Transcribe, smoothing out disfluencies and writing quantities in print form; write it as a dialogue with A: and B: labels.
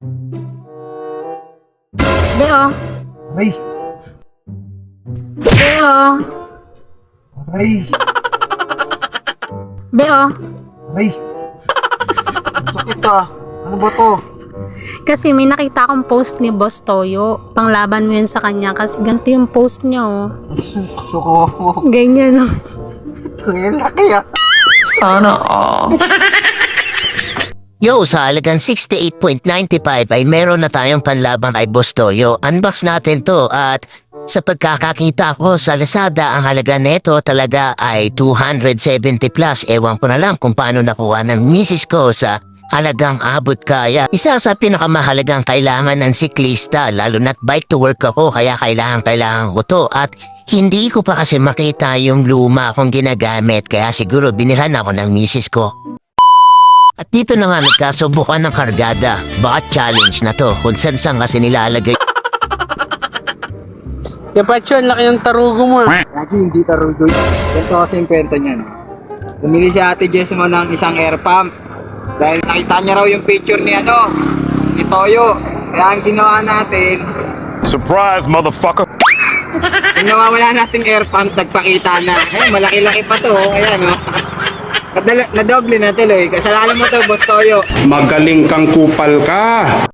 A: Beo.
B: Aray!
A: Beo.
B: Aray!
A: Beo.
B: Aray! Sakit ah! Ano ba to?
A: Kasi may nakita akong post ni Boss Toyo. Panglaban mo yun sa kanya kasi ganito yung post niya oh.
B: Suko mo.
A: Ganyan oh.
B: Ang laki ah!
C: Sana all.
D: Yo, sa halagang 68.95 ay meron na tayong panlaban kay Boss Toyo. Unbox natin to at sa pagkakakita ko sa Lazada, ang halaga neto talaga ay 270 plus. Ewan ko na lang kung paano nakuha ng misis ko sa halagang abot kaya. Isa sa pinakamahalagang kailangan ng siklista, lalo na't bike to work ako kaya kailangan ko to. At hindi ko pa kasi makita yung luma kong ginagamit kaya siguro binilhan ako ng misis ko. At dito na nga nagkasubukan ng kargada. Baka challenge na to kung saan kasi nilalagay.
E: Kapacho, ang laki ng tarugo mo.
B: Lagi hindi tarugo yun. Ganito kasi yung kwento niyan. Bumili si Ate Jessimo ng isang air pump. Dahil nakita niya raw yung picture ni ni Toyo. Kaya ang ginawa natin,
F: Surprise, motherfucker!
B: kung nawawala nating air pump, nagpakita na. Malaki-laki pa to. Ayan oh. Nadoble na tuloy. Kasalanan mo to, Boss Toyo.
G: Magaling kang kupal ka.